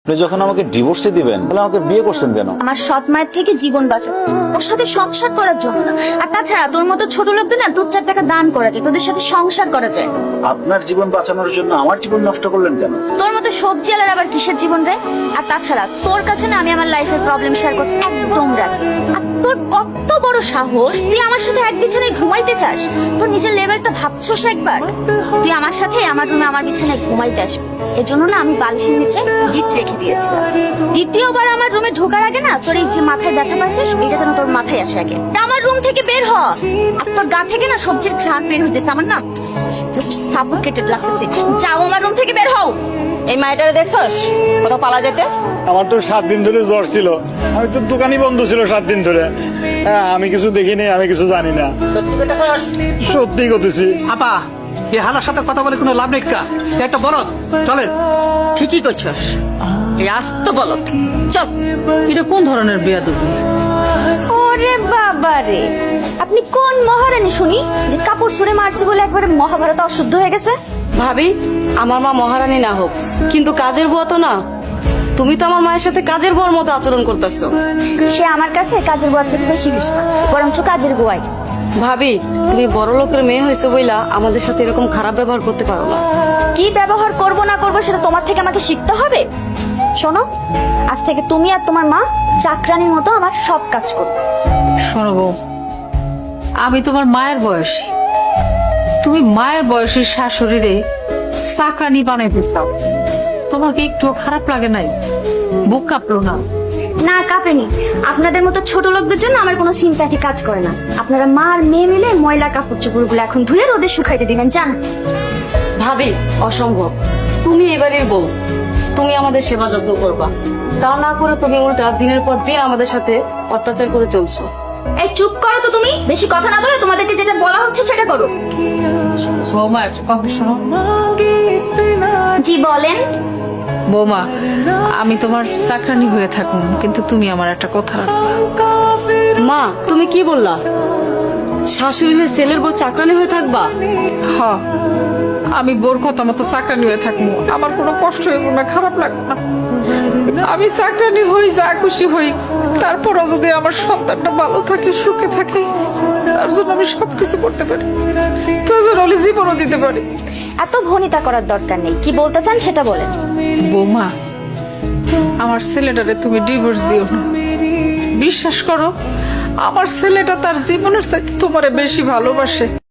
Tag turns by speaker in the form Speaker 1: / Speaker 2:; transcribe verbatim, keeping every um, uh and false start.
Speaker 1: আপনি যখন আমাকে ডিভোর্সে দিবেন তাহলে আমাকে বিয়ে করছেন কেন?
Speaker 2: আমার সৎ মায়ের থেকে জীবন বাঁচা, ওর সাথে সংসার করার জন্য না। আর তাছাড়া তোর মতো ছোট লোকদের না দু চার টাকা দান করা যায়, তোদের সাথে সংসার করা যায়।
Speaker 1: আপনার জীবন বাঁচানোর জন্য আমার জীবন নষ্ট করলেন কেন?
Speaker 2: তোর মতো সবজি আলার আবার কিসের জীবন রে? আর তাছাড়া তোর কাছে না আমি আমার লাইফের প্রবলেম শেয়ার করতে একদম রাজি। আর তোর কত বড় সাহস, তুই আমার সাথে এক বিছানায় ঘুমাইতে চাস? তোর নিজের লেভেলটা ভাবছোস একবার? তুই আমার সাথে আমার রুমে আমার বিছানায় ঘুমাইতে আসবি, এর জন্য না আমি বালিশের নিচে গিফট রেখে দিয়েছিলাম। দ্বিতীয়বার আমার রুমে ঢোকার আগে না তোর এই যে মাথায় ব্যথা পাচ্ছিস, এটা যেন তোর মাথায় আসে আগে। আমার রুম থেকে বের হ, আর তোর গা থেকে না সবজির ঘ্রাণ বের হইতেছে, আমার না জাস্ট সাফোকেটেড লাগতেছে। যাও আমার রুম থেকে বের হও।
Speaker 3: এই মাইটারে দেখছস কোথাও পালা যেতে?
Speaker 4: আমার তো সাত দিন ধরে জ্বর ছিল, আমি তো দোকানই বন্ধ ছিল সাত দিন ধরে। হ্যাঁ, আমি কিছু দেখিনি, আমি কিছু জানি না।
Speaker 3: সত্যি কইতাছস?
Speaker 4: সত্যি করতেছি।
Speaker 5: আপা, এই হালার সাথে কথা বলে কোনো লাভ নেই কা? এ একটা বলদ, চলেন।
Speaker 3: ঠিকই কইছস, এই আস্ত বলত। চল।
Speaker 6: এটা কোন ধরনের বেয়াদবি?
Speaker 2: ওরে বাবা রে, আপনি কোন মহারানী শুনি যে কাপড় ছুঁড়ে মারছে বলে একবারে মহাভারত অশুদ্ধ হয়ে গেছে?
Speaker 3: ভাবি, আমার মা মহারানী না হোক, কিন্তু কাজের বুয়া তো না। তুমি তো আমার মায়ের সাথে কাজের বুয়ার মতো আচরণ করতেছো।
Speaker 2: সে আমার কাছে কাজের বুয়ার থেকে বেশি কিছু না, বরঞ্চ কাজের বুয়াই।
Speaker 3: ভাবি, তুমি বড় লোকের মেয়ে হয়েছো বইলা আমাদের সাথে এরকম খারাপ ব্যবহার করতে পারো না।
Speaker 2: কি ব্যবহার করব না করব সেটা তোমার থেকে আমাকে শিখতে হবে। শোনো, আজ থেকে তুমি আর তোমার মা চাকরানির মতো আমার সব কাজ করবে।
Speaker 6: শোনো বউ, আমি তোমার মায়ের বয়সী, তুমি মায়ের বয়সের শাশুড়িরে চাকরানি বানাইতে চাও, তোমার কি একটু খারাপ লাগে নাই? বুক কাঁপলো না?
Speaker 2: না কাঁপেনি। আপনাদের মতো ছোট লোকদের জন্য আমার কোনো সিম্প্যাথি কাজ করে না। আপনারা মা আর মেয়ে মিলে ময়লা কাপড় চোপড়গুলো এখন ধুয়ে রোদে শুকাইতে দিবেন, জান?
Speaker 3: ভাবি, অসম্ভব। তুমি এবারের বউ, তুমি আমাদের সেবা যত্ন করবা, তা না করে তুমি উল্টা দিনের পর দিন আমাদের সাথে অত্যাচার করে চলছো।
Speaker 2: এই চুপ করো তো, তুমি বেশি কথা না বলে তোমাদেরকে যেটা বলা হচ্ছে সেটা করো।
Speaker 6: বৌমা, একটা কথা শোনো।
Speaker 2: জি বলেন।
Speaker 6: বৌমা, আমি তোমার চাকরানি হয়ে থাকুন, কিন্তু তুমি আমার একটা কথা রাখবা।
Speaker 3: মা, তুমি কি বললা? শাশুড়ি হয়ে ছেলের বউ চাকরানি হয়ে থাকবা?
Speaker 6: হ, আমি বোর কথা মতো চাকরানি হয়ে থাকবো, আমার কোনো কষ্ট হইব না, খারাপ লাগবে না। আমি চাকরানি হই, যা খুশি হই, তারপরও যদি আমার সন্তানটা ভালো থাকে, সুখে থাকে, তার জন্য আমি সবকিছু করতে পারি, প্রয়োজন হলে জীবনও দিতে পারি।
Speaker 2: এত ভনিতা করার দরকার নেই, কি বলতে চান সেটা বলেন।
Speaker 6: বৌমা, আমার ছেলেটারে তুমি ডিভোর্স দিও না। বিশ্বাস করো, আমার ছেলেটা তার জীবনের চাইতে তোমারে বেশি ভালোবাসে।